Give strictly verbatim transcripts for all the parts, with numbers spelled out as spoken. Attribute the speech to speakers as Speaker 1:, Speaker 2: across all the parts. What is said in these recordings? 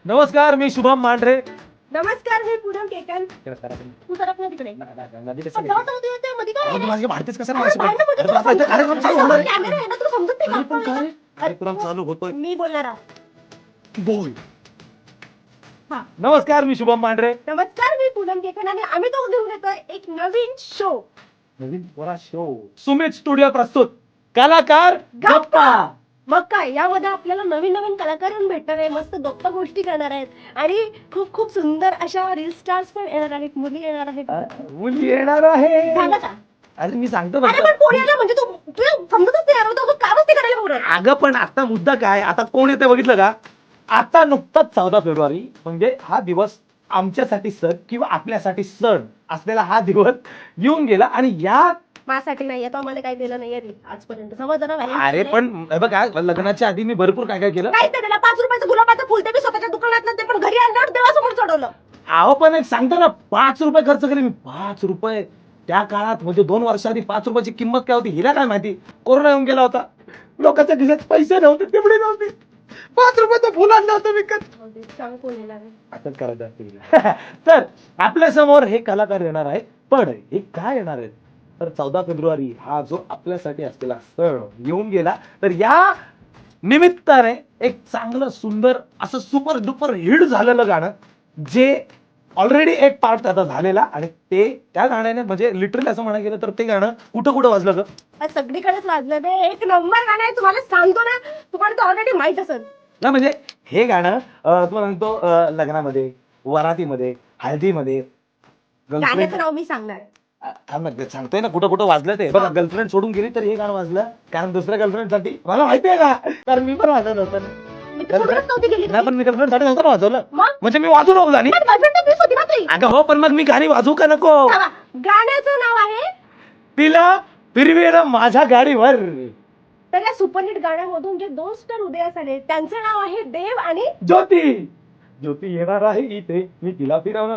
Speaker 1: नमस्कार, मी शुभम मांढरे.
Speaker 2: नमस्कार, मी पूनम केकन. तू सरक ना तिकडे. पण जाऊ जाऊ दे त्या मध्ये काय?
Speaker 1: माझे भारतीच कसं
Speaker 2: अरे बाहेर ना मध्ये
Speaker 1: कार्यक्रम चालू होणार आहे.
Speaker 2: कॅमेरा आहे ना, तुला समजत नाही
Speaker 1: पण
Speaker 2: का?
Speaker 1: काय कार्यक्रम चालू होतोय.
Speaker 2: मी बोलणार आहे.
Speaker 1: बोल.
Speaker 2: हा.
Speaker 1: नमस्कार, मी शुभम मांढरे.
Speaker 2: नमस्कार, मी पूनम केकन आणि आम्ही तो घेऊन येतोय एक नवीन शो.
Speaker 1: नवीन पोरा शो सुमित स्टुडिओ प्रस्तुत कलाकार गप्पा.
Speaker 2: मग काय, यामध्ये आपल्याला नवीन नवीन कलाकार येऊन भेटणार आहे, मस्त गप्पा गोष्टी करणार आहेत आणि खूप खूप सुंदर अशा रील स्टार्स पण येणार आहेत, मुली येणार आहेत.
Speaker 1: मुली येणार आहे.
Speaker 2: झालं का?
Speaker 1: अरे मी सांगतो ना.
Speaker 2: अरे पण कोण येणार म्हणजे तू तुला समजतच नाही यार, तू का मस्ती करायला बोलत?
Speaker 1: अगं पण आता मुद्दा काय, आता कोण येते बघितलं का? आता नुकताच चौदा फेब्रुवारी म्हणजे हा दिवस आमच्यासाठी सण किंवा आपल्यासाठी सण असलेला हा दिवस येऊन गेला आणि या
Speaker 2: माझ्यासाठी नाही आता मला काही दिलं नाही रे आजपर्यंत, समज ना.
Speaker 1: अरे पण हे बघा, लग्नाच्या आधी मी भरपूर काय काय केलं.
Speaker 2: काय त्याला पाच रुपयाचं गुलाबाचं फुल ते मी स्वतःच्या दुकानात ते पण घरी आणल्यावर देवासमोर चढवलं.
Speaker 1: अहो पण एक सांगतो ना, पाच रुपये खर्च केले मी. पाच रुपये त्या काळात म्हणजे दोन वर्षाआधी पाच रुपयाची किंमत काय होती हिला काय माहिती. कोरोना येऊन गेला होता, लोकांच्या खिशात पैसे नव्हते, तेवढे नव्हते. पाच रुपयाचं फुल आणलं होतं विकत.
Speaker 2: सांग कोण येणार आहे?
Speaker 1: असंच करायचं असतं. तर आपल्या समोर हे कलाकार येणार आहे, पण हे काय येणार आहे तर चौदा फेब्रुवारी हा जो आपल्यासाठी असलेला सण येऊन गेला, तर या निमित्ताने एक चांगलं सुंदर असं सुपर डुपर हिट झालेलं गाणं, जे ऑलरेडी एक पार्ट आता झालेला आणि ते त्या गाण्याने म्हणजे लिटरली असं म्हणायला गेलं तर ते गाणं कुठं कुठं वाजलं ग?
Speaker 2: आज सगळीकडेच वाजलं ते, एक नंबर गाणं आहे. तुम्हाला सांगतो ना, तुम्हाला तर ऑलरेडी माहित असेल
Speaker 1: ना. म्हणजे हे गाणं अं, तुम्हाला सांगतो अं, लग्नामध्ये, वरातीमध्ये, हळदीमध्ये, गर्लफ्रेंड
Speaker 2: गाण्याचं नाव मी सांगणार.
Speaker 1: सांगतोय ना कुठं कुठं वाजलं ते. बघा, गर्लफ्रेंड सोडून गेली तर हे गाणं वाजलं, कारण दुसऱ्या गर्लफ्रेंड साठी मला माहितीये का, कारण मी पण वाजवलं होतं ना.
Speaker 2: मी तर सोडूनच नव्हती गेली.
Speaker 1: नाही पण मी गर्लफ्रेंड साठी नव्हतं ना वाजवलं,
Speaker 2: मग?
Speaker 1: म्हणजे मी वाजू नको गाणी.
Speaker 2: पण girlfriend तर मीच होती ना तुझी.
Speaker 1: अगं हो, पण मग मी गाणी वाजवू का नको?
Speaker 2: थांबा. गाण्याचं नाव आहे,
Speaker 1: तिला फिरवेलं माझ्या गाडीवर.
Speaker 2: तर या सुपरहिट गाण्यामधून जे दोन स्टार उदयास आले त्यांचं नाव आहे देव आणि
Speaker 1: ज्योती. ज्योती येणार आहे इथे, मी तिला फिरवणार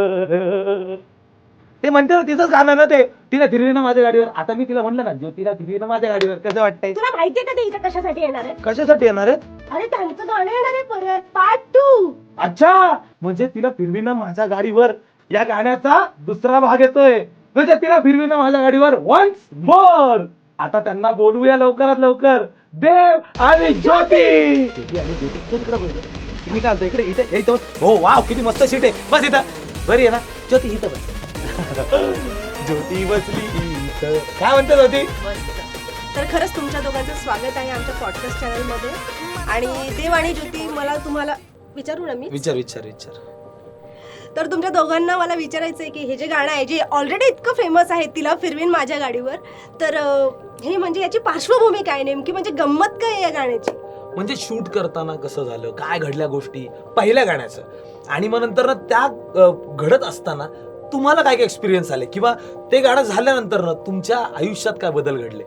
Speaker 1: गाडीवर. ते म्हणते ना, तिचंच गाणं ना ते, तिला फिरवेलं माझ्या गाडीवर. आता मी तिला म्हणलं ना, ज्योतीला फिरवेलं माझ्या गाडीवर, कसं वाटतंय?
Speaker 2: तुला माहितीये का ते इथे कशासाठी येणार आहे?
Speaker 1: कशासाठी येणार आहे?
Speaker 2: अरे त्यांचं गाणं येणार आहे परत, पार्ट टू.
Speaker 1: अच्छा, म्हणजे तिला फिरविणं माझ्या गाडीवर या गाण्याचा दुसरा भाग येतोय, म्हणजे तिला फिरविणं माझ्या गाडीवर वन्स मोर. आता त्यांना बोलवूया लवकरात लवकर, देव आणि ज्योती. ज्योती आणि ज्योती इकडे बोलू. तुम्ही काय म्हणता, इकडे इथे इथे. हो वाव, किती मस्त सीट आहे, बस इथं. बरी आहे ना ज्योती, इथं बस. ज्योती बसली इथं. काय म्हणते ज्योती?
Speaker 2: तर खरंच तुमच्या दोघांचं स्वागत आहे आमच्या पॉडकास्ट चॅनल मध्ये. आणि देव आणि ज्योती, मला तुम्हाला विचारू ना मी
Speaker 1: विचार विचार विचार
Speaker 2: तर तुमच्या दोघांना मला विचारायचं आहे की हे जे गाणं आहे जे ऑलरेडी इतकं फेमस आहे, तिला फिरवीन माझ्या गाडीवर, तर अं, हे म्हणजे याची पार्श्वभूमी काय नेमकी, म्हणजे गंमत काय या गाण्याची?
Speaker 3: म्हणजे शूट करताना कसं झालं, काय घडल्या गोष्टी पहिल्या गाण्याचं, आणि मग नंतर ना त्या अ, घडत असताना तुम्हाला काय काय एक्सपिरियन्स आले, किंवा ते गाणं झाल्यानंतर ना तुमच्या आयुष्यात काय बदल घडले?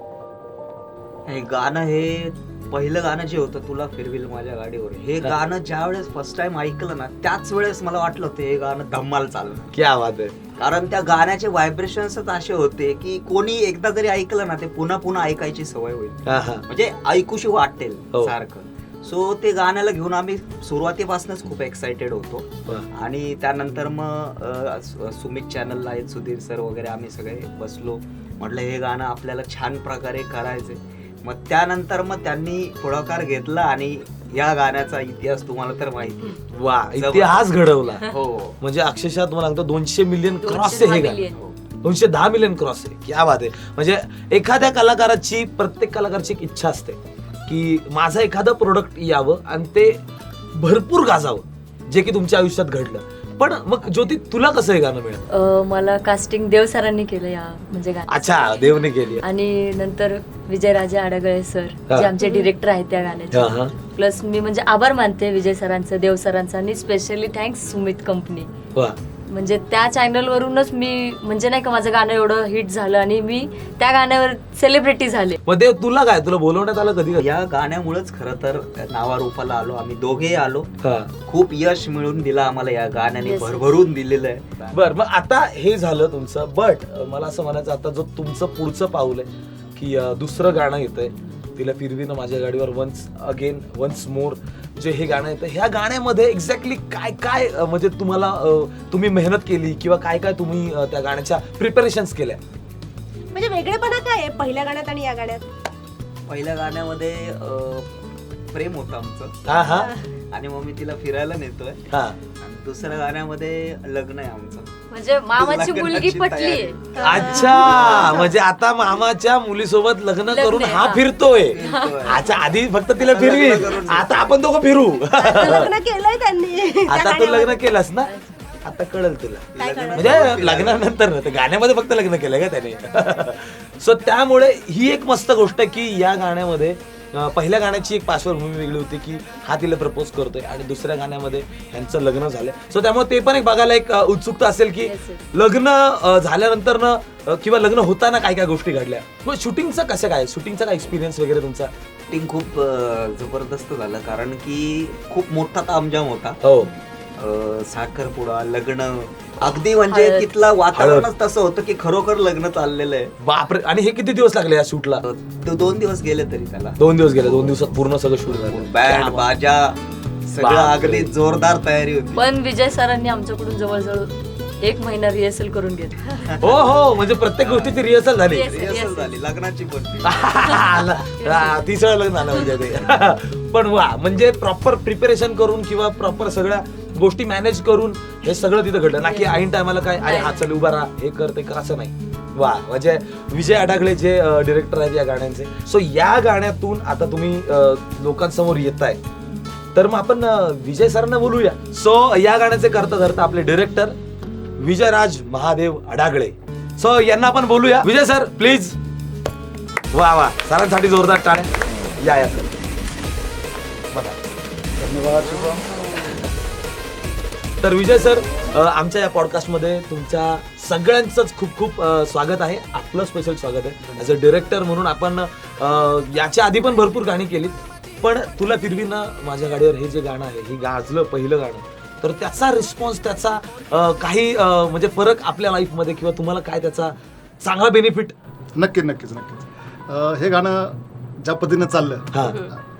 Speaker 4: हे गाणं, हे पहिलं गाणं जे होतं तुला फिरविल माझ्या गाडीवर, हे गाणं ज्या वेळेस फर्स्ट टाइम ऐकलं ना, त्याच वेळेस मला वाटलं होतं हे गाणं धम्माल चाललं.
Speaker 1: क्या बात आहे.
Speaker 4: कारण त्या गाण्याचे व्हायब्रेशन्सच असे होते की कोणी एकदा जरी ऐकलं ना, ते पुन्हा पुन्हा ऐकायची सवय होईल,
Speaker 1: हा हा.
Speaker 4: म्हणजे ऐकूशी वाटेल
Speaker 1: हो.
Speaker 4: सारखं. सो ते गाण्याला घेऊन आम्ही सुरुवातीपासूनच खूप एक्साइटेड होतो.
Speaker 1: वा.
Speaker 4: आणि त्यानंतर मग अ, सु- सुमित चॅनलला आहेत, सुधीर सर वगैरे, आम्ही सगळे बसलो, म्हटलं हे गाणं आपल्याला छान प्रकारे करायचंय. मग त्यानंतर मग त्यांनी पुढाकार घेतला आणि या गाण्याचा इतिहास तुम्हाला तर माहिती आहे.
Speaker 3: वा, इतिहास घडवला.
Speaker 4: हो,
Speaker 3: म्हणजे अक्षरशः तुम्हाला सांगतो दोनशे मिलियन क्रॉस आहे हे गाणं. दोनशे दहा मिलियन क्रॉस आहे. क्या बात आहे. म्हणजे एखाद्या कलाकाराची, प्रत्येक कलाकाराची एक इच्छा असते की माझं एखादं प्रोडक्ट यावं आणि ते भरपूर गाजावं, जे की तुमच्या आयुष्यात घडलं. पण मग ज्योती, तुला कसं हे गाणं मिळालं?
Speaker 5: अ, मला कास्टिंग देव सरांनी केलं या म्हणजे गाण्याचं.
Speaker 3: अच्छा, देवने केली.
Speaker 5: आणि नंतर विजयराजे आडगळे सर
Speaker 3: हा.
Speaker 5: जे आमचे डिरेक्टर आहेत त्या
Speaker 3: हा, हा.
Speaker 5: गाण्याचे. प्लस मी म्हणजे आभार मानते विजय सरांचं, देव सरांचं, आणि स्पेशली थँक्स सुमित कंपनी.
Speaker 3: वा.
Speaker 5: म्हणजे त्या चॅनल वरूनच मी म्हणजे नाही का माझं गाणं एवढं हिट झालं आणि मी त्या गाण्यावर सेलिब्रिटी झाले.
Speaker 3: मग देव, तुला काय, तुला बोलवण्यात आलं कधी?
Speaker 4: या गाण्यामुळेच खरं तर नावारूपाला आलो आम्ही, दोघेही आलो.
Speaker 3: हा.
Speaker 4: खूप यश मिळून दिलं आम्हाला या गाण्याने,
Speaker 5: Yes.
Speaker 4: भरभरून दिलेलं आहे.
Speaker 3: बर, मग आता हे झालं तुमचं, बट मला असं म्हणायचं आता जो तुमचं पुढचं पाऊल आहे की अं, दुसरं गाणं येतंय, तिला फिरवीनं माझ्या गाडीवर, वन्स अगेन वन्स मोर. जे हे गाणं येतं, ह्या गाण्यामध्ये एक्झॅक्टली काय काय अं, म्हणजे तुम्हाला अं, तुम्ही मेहनत केली किंवा काय काय तुम्ही अं, त्या गाण्याच्या प्रिपरेशन्स केल्या?
Speaker 2: म्हणजे वेगळेपणा काय आहे पहिल्या गाण्यात आणि या गाण्यात?
Speaker 4: पहिल्या गाण्यामध्ये अं, प्रेम होतं आमचं
Speaker 3: हा हा
Speaker 4: आणि मग मी तिला फिरायला नेतोय.
Speaker 3: हा
Speaker 4: आणि दुसऱ्या गाण्यामध्ये लग्न आहे आमचं.
Speaker 5: म्हणजे मामाची
Speaker 4: लग्नाची
Speaker 5: मुलगी पटली
Speaker 4: तयारी.
Speaker 3: अच्छा, म्हणजे आता मामाच्या मुलीसोबत लग्न
Speaker 5: लग्न
Speaker 3: करून
Speaker 5: आहे,
Speaker 3: हा
Speaker 5: हा.
Speaker 3: फिरतोय.
Speaker 4: फिरतोय.
Speaker 3: अच्छा, आधी फक्त तिला फिरवी,
Speaker 4: लग्न करून
Speaker 3: आता आपण दोघं फिरू.
Speaker 2: आता लग्न केलंय त्यांनी त्या
Speaker 3: आता तू
Speaker 2: गाण्यामध्ये.
Speaker 3: लग्न केलंस ना, आता कळेल तुला.
Speaker 2: काय कळलं?
Speaker 3: म्हणजे लग्नानंतर ना, ते गाण्यामध्ये फक्त लग्न केलंय का त्याने. सो त्यामुळे ही एक मस्त गोष्ट आहे की या गाण्यामध्ये अं, पहिल्या गाण्याची एक पार्श्वभूमी वेगळी होती की हा तिला प्रपोज करतोय आणि दुसऱ्या गाण्यामध्ये यांचं लग्न झालंय. सो त्यामुळे ते पण एक बघायला एक अं, उत्सुकता असेल की
Speaker 5: Yes, yes.
Speaker 3: लग्न अं, झाल्यानंतर ना अं, किंवा लग्न होताना काय काय गोष्टी घडल्या. मग शूटिंगचं कसं काय, शूटिंगचा काय एक्सपिरियन्स वगैरे तुमचा?
Speaker 4: शूटिंग खूप अं, जबरदस्त झालं कारण की खूप मोठा तामजाम होता.
Speaker 3: हो
Speaker 4: अं, साखरपुडा, लग्न, अगदी म्हणजे
Speaker 5: हळद.
Speaker 4: तिथलं वातावरणच तसं होतं की खरोखर लग्न चाललेलं आहे.
Speaker 3: बापरे. आणि हे किती दिवस लागले या शूटला?
Speaker 4: दो- दोन दिवस गेले तरी त्याला.
Speaker 3: दोन दिवस गेले, दोन दिवसात पूर्ण सगळं शूट झालं.
Speaker 4: बँड बाजा सगळं
Speaker 3: बापरे.
Speaker 4: अगदी जोरदार तयारी होती.
Speaker 5: पण विजय सरांनी आमच्याकडून जवळजवळ एक महिना रिहर्सल करून घेतली.
Speaker 3: हो हो, म्हणजे प्रत्येक गोष्टीची रिहर्सल झाली.
Speaker 5: Yes.
Speaker 4: रिहर्सल झाली लग्नाची पण.
Speaker 3: हा, तिसरं लग्न झालं म्हणजे ते. पण वा, म्हणजे प्रॉपर प्रिपरेशन करून किंवा प्रॉपर सगळ्या गोष्टी मॅनेज करून हे सगळं तिथं घडलं ना की ऐन टायमाला काय अरे हा चल उभा राहा, हे कर ते कर, असं नाही. वा, म्हणजे विजय अडागळे जे डिरेक्टर आहेत या गाण्यांचे. सो या गाण्यातून आता तुम्ही अं, लोकांसमोर येताय, तर मग आपण अं, विजय सरांना बोलूया. सो या गाण्याचे करता धरता आपले डिरेक्टर विजयराज महादेव अडागळे. सो यांना आपण बोलूया. Vijay sir please. वा वा, सरांसाठी जोरदार टाळ्या. या या सर. बघा.
Speaker 6: धन्यवाद शुभम.
Speaker 3: तर विजय सर, अ, आमच्या या पॉडकास्टमध्ये तुमच्या सगळ्यांचंच खूप खूप अ, स्वागत आहे. आपलं स्पेशल स्वागत आहे. ॲज अ डिरेक्टर म्हणून आपण अ, याच्या आधी पण भरपूर गाणी केलीत, पण तुला फिरवीना माझ्या गाडीवर हे जे गाणं आहे, हे गाजलं पहिलं गाणं, तर त्याचा रिस्पॉन्स, त्याचा अ, काही अ, म्हणजे फरक आपल्या लाईफमध्ये किंवा तुम्हाला काय त्याचा चांगला बेनिफिट?
Speaker 6: नक्की नक्कीच नक्कीच. अं, हे गाणं ज्या पद्धतीनं चाललं
Speaker 3: हा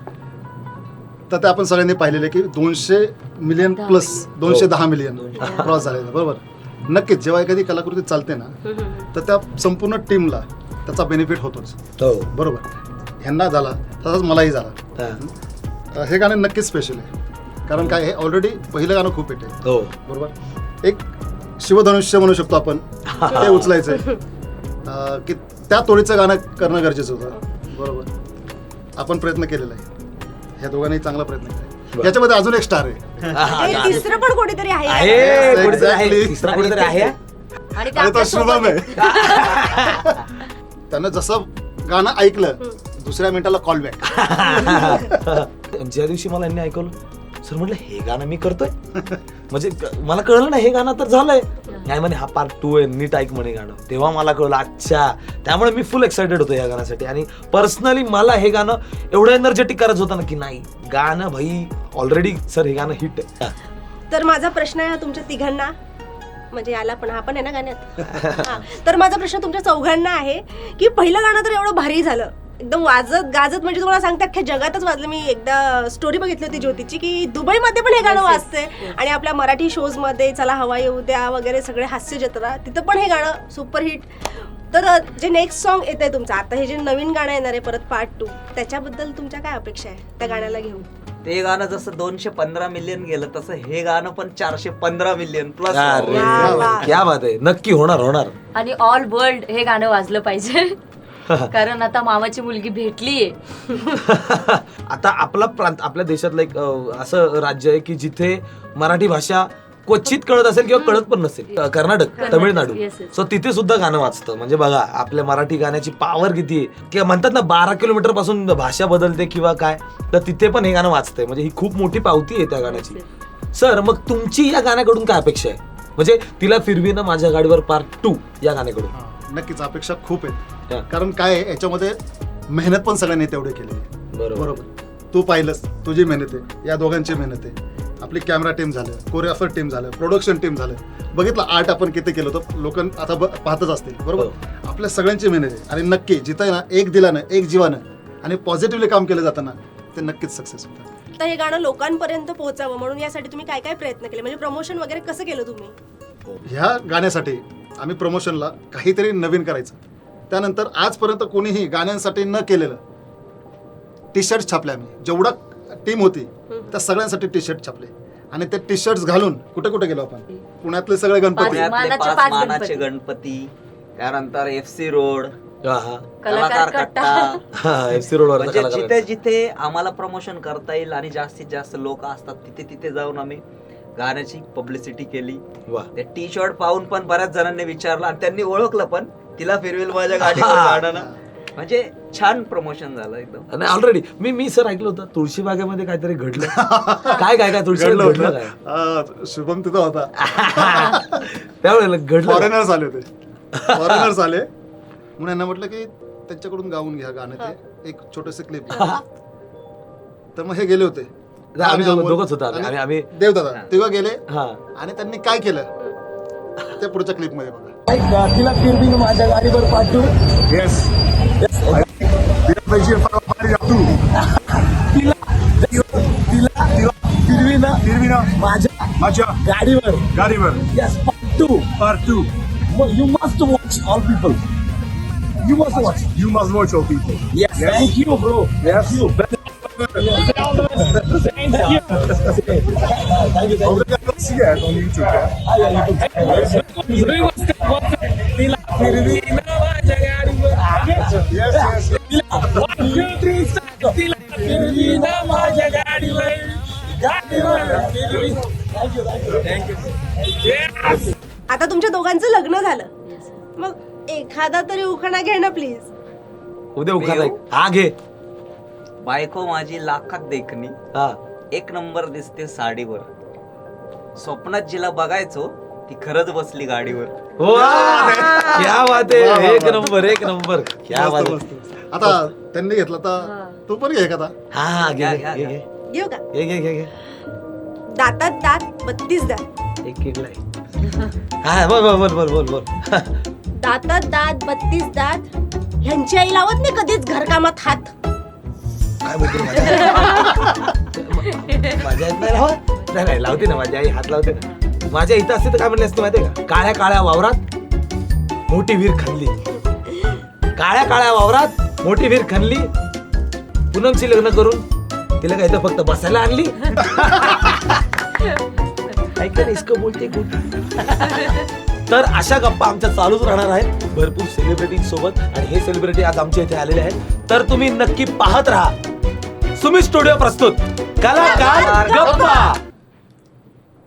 Speaker 6: तर ते आपण सगळ्यांनी पाहिलेलं आहे की दोनशे मिलियन
Speaker 5: दहा
Speaker 6: प्लस
Speaker 5: मिलियन.
Speaker 6: दोनशे
Speaker 3: हो.
Speaker 6: दहा मिलियन क्रॉस झालेलं बरोबर. नक्कीच जेव्हा एखादी कलाकृती चालते ना तर त्या संपूर्ण टीमला त्याचा बेनिफिट होतोच
Speaker 3: हो
Speaker 6: बरोबर. ह्यांना झाला तसाच मलाही झाला.
Speaker 3: हा.
Speaker 6: अं, हे गाणं नक्कीच स्पेशल आहे कारण काय हे ऑलरेडी पहिलं गाणं खूप हिट आहे
Speaker 3: हो
Speaker 6: बरोबर. एक शिवधनुष्य म्हणू शकतो आपण, ते उचलायचं अं, की त्या तोडीचं गाणं करणं गरजेचं होतं बरोबर. आपण प्रयत्न केलेला आहे, ह्या दोघांनी चांगला प्रयत्न केला. याच्यामध्ये अजून एक स्टार आहे
Speaker 3: हा, हा,
Speaker 2: हे
Speaker 3: हा.
Speaker 2: तिसरं पण कोणीतरी आहे
Speaker 3: आहे, कोणीतरी आहे.
Speaker 6: Exactly.
Speaker 3: तिसरा कोणीतरी आहे.
Speaker 5: आणि ते
Speaker 6: आणि तो शुभम
Speaker 5: आपल्यासोबत
Speaker 6: आहे. त्यानं जसं गाणं ऐकलं दुसऱ्या मिनिटाला कॉल बॅक.
Speaker 3: ज्या दिवशी मला यांनी ऐकवलं, सर म्हटलं हे गाणं मी करतोय. म्हणजे क- मला कळलं ना हे गाणं तर झालंय. नाही म्हणे हा पार्ट टू आहे, नीट ऐक म्हणे गाणं. तेव्हा मला कळलं अच्छा. त्यामुळे मी फुल एक्साइटेड होतो या गाण्यासाठी. आणि पर्सनली मला हे गाणं एवढं एनर्जेटिक करायचं होतं ना की नाही गाणं भाई ऑलरेडी सर हे गाणं हिट आहे.
Speaker 2: तर माझा प्रश्न आहे तुमच्या तिघांना, म्हणजे याला पण हा पण आहे ना गाण्यात. हा. तर माझा प्रश्न तुमच्या चौघांना आहे की पहिलं गाणं तर एवढं भारी झालं, एकदम वाजत गाजत, म्हणजे तुम्हाला सांगते अख्ख्या जगातच वाजलं. मी एकदा स्टोरी बघितली होती ज्योतीची की दुबईमध्ये पण हे गाणं वाजतंय आणि आपल्या मराठी शोज मध्ये चला हवा येऊ द्या वगैरे सगळे हास्य जत्रा, तिथं पण हे गाणं सुपरहिट. तर जे नेक्स्ट सॉन्ग येत आहे तुमचं आता, हे जे नवीन गाणं येणार आहे परत पार्ट टू, त्याच्याबद्दल तुमच्या काय अपेक्षा आहे त्या गाण्याला घेऊन?
Speaker 4: ते गाणं जसं दोनशे पंधरा मिलियन गेलं तसं हे गाणं पण चारशे पंधरा मिलियन प्लस.
Speaker 3: अरे,
Speaker 2: वा, वा.
Speaker 3: क्या बात आहे. नक्की होणार होणार.
Speaker 5: आणि ऑल वर्ल्ड हे गाणं वाजलं पाहिजे. कारण आता मामाची मुलगी भेटलीये.
Speaker 3: आता आपला प्रांत, आपल्या देशातलं एक अं, असं राज्य आहे की जिथे मराठी भाषा क्वचित कळत असेल किंवा कळत पण नसेल. अं, Karnataka,
Speaker 5: Karnataka,
Speaker 3: Tamil Nadu.
Speaker 5: yes, yes.
Speaker 3: So तिथे सुद्धा गाणं वाजतं. म्हणजे बघा आपल्या मराठी गाण्याची पॉवर किती आहे. किंवा म्हणतात ना बारा किलोमीटर पासून भाषा बदलते किंवा काय, तर तिथे पण हे गाणं वाजतंय. म्हणजे ही खूप मोठी पावती आहे त्या गाण्याची. सर मग तुमची या गाण्याकडून काय अपेक्षा आहे? म्हणजे तिला फिरवीनं माझ्या गाडीवर पार्ट टू या गाण्याकडून.
Speaker 6: नक्कीच अपेक्षा खूप
Speaker 3: हा.
Speaker 6: आहेत कारण काय आहे याच्यामध्ये मेहनत पण सगळ्यांनी तेवढी केलेली आहे
Speaker 3: बरोबर.
Speaker 6: बरोबर. तू पाहिलंस, तुझी मेहनत आहे, या दोघांची मेहनत आहे, आपली कॅमेरा टीम झालं, कोरिओग्राफर टीम झालं, प्रोडक्शन टीम झालं, बघितलं आर्ट आपण किती केलं होतं, लोक आता ब- पाहतच असतील बरोबर. आपल्या सगळ्यांची मेहनत आहे आणि नक्की जिथं आहे ना एक दिलानं एक जीवानं आणि पॉझिटिव्हली काम केलं जातं ना ते नक्कीच सक्सेस होतं.
Speaker 2: आता हे गाणं लोकांपर्यंत पोहोचावं म्हणून यासाठी तुम्ही काय काय प्रयत्न केले, म्हणजे प्रमोशन वगैरे कसं केलं तुम्ही?
Speaker 6: ह्या गाण्यासाठी आम्ही प्रमोशनला काहीतरी नवीन करायचं. त्यानंतर आजपर्यंत कोणीही गाण्यांसाठी न केलेलं टी शर्ट छापले आम्ही. जेवढा टीम होती त्या सगळ्यांसाठी टी शर्ट छापले आणि ते टी शर्ट घालून कुठे कुठे गेलो आपण. पुण्यातले सगळे गणपती,
Speaker 5: पाच-
Speaker 4: पुण्यातले
Speaker 5: मानाचे
Speaker 4: पाच
Speaker 5: पाच
Speaker 4: मानाचे
Speaker 5: गणपती.
Speaker 4: गणपती, त्यानंतर एफ सी रोड,
Speaker 3: हा, हा.
Speaker 4: कलाकार कट्टा.
Speaker 3: हा, एफ सी रोडवर
Speaker 4: म्हणजे जिथे जिथे आम्हाला प्रमोशन करता येईल आणि जास्तीत जास्त लोक असतात तिथे तिथे जाऊन आम्ही गाण्याची पब्लिसिटी केली.
Speaker 3: वा.
Speaker 4: ते टी शर्ट पाहून पण बऱ्याच जणांनी विचारलं आणि त्यांनी ओळखलं पण, तिला फिरवेल माझ्या गाडीवर गाणं ना. म्हणजे छान प्रमोशन झालं एकदम.
Speaker 3: आणि ऑलरेडी मी मी सर ऐकलं होतं तुळशी बागेमध्ये काहीतरी घडलं. काय काय काय तुळशी
Speaker 6: घडलं
Speaker 3: घडलं
Speaker 6: होतं.
Speaker 3: काय
Speaker 6: अं, शुभम तिथं होता.
Speaker 3: त्यावेळेला घडलं.
Speaker 6: फॉरेनर्स आले होते. फॉरेनर्स आले म्हणून यांना म्हटलं की त्यांच्याकडून गाऊन घ्या गाणं, ते एक छोटस क्लिप. तर मग हे गेले होते.
Speaker 3: आम्ही दोघं-
Speaker 6: आणि
Speaker 3: दोघंच होतो आम्ही.
Speaker 6: आणि
Speaker 3: आम्ही- आम्ही
Speaker 6: देवदादा तेव्हा गेले
Speaker 3: हा
Speaker 6: आणि त्यांनी काय केलं ते पुढच्या क्लिप मध्ये बघा.
Speaker 1: तिला फिरवीन माझ्या गाडीवर पाठवू.
Speaker 7: Yes. País para Maria tu.
Speaker 1: तिला तिला फिरवीन
Speaker 7: Firmina.
Speaker 1: माझ्या
Speaker 7: Macha.
Speaker 1: गाडीवर.
Speaker 7: Gariver.
Speaker 1: Yes, पाठवू.
Speaker 7: Part two.
Speaker 1: You must watch all people. You must watch.
Speaker 7: You must watch all people.
Speaker 1: Yes, thank you, bro. Thank you. Thank you. Thank you.
Speaker 7: Obrigado por seguir on YouTube. Yeah?
Speaker 1: तिला फिरवीन माझ्या गाडीवर.
Speaker 7: Yes, yes.
Speaker 1: One, two, three, start. तिला फिरवीन माझ्या गाडीवर. गाडीवर फिरवीन. Thank you, thank you. Thank you. Yes.
Speaker 2: आता तुमच्या दोघांचं लग्न झालं, मग एखादा तरी उखाणा घे ना प्लीज.
Speaker 3: उद्या उखाणा
Speaker 4: येऊ?
Speaker 3: हा घे.
Speaker 4: बायको माझी लाखात देखणी,
Speaker 3: हा
Speaker 4: एक नंबर दिसते साडीवर, स्वप्नात जिला बघायचो ती खरंच बसली गाडीवर.
Speaker 3: वा, क्या बात
Speaker 6: वा, वा,
Speaker 3: आहे. एक
Speaker 6: वा.
Speaker 3: नंबर एक नंबर क्या बात
Speaker 6: मस्त,
Speaker 3: आहे.
Speaker 6: मस्त. आता त्यांनी घेतला तर तू पण घे एखादा.
Speaker 3: हा हा, घे
Speaker 4: घ्या,
Speaker 3: घे
Speaker 4: घ्या,
Speaker 3: घे
Speaker 4: घ्या.
Speaker 3: घे
Speaker 2: घेऊ का?
Speaker 3: घे घे घे घे
Speaker 2: दातात दात बत्तीस दात,
Speaker 3: एक केकला आहे. हा बोल बोल बोल बोल बोल बोल.
Speaker 2: दातात दात बत्तीस दात, ह्यांची आई लावत नाही कधीच घरकामात हात.
Speaker 3: काय बोलते माझ्या आईत नाही लावत. नाही नाही लावते ना, माझी आई हात लावते ना. माझ्या इथं असते तर काय म्हणले असते माहितीये का, काळ्या काळ्या वावरात मोठी विहीर खणली. काळ्या काळ्या वावरात मोठी विहीर खणली, पूनमशी लग्न करून तिला काय इथं फक्त बसायला आणली. ऐका इसको बोलते गुड. तर अशा गप्पा आमच्या चालूच राहणार आहेत भरपूर सेलिब्रिटी सोबत, आणि हे सेलिब्रिटी आज आमच्या इथे आलेले आहेत. तर तुम्ही नक्की पाहत राहा सुमित स्टुडिओ प्रस्तुत कलाकार गप्पा.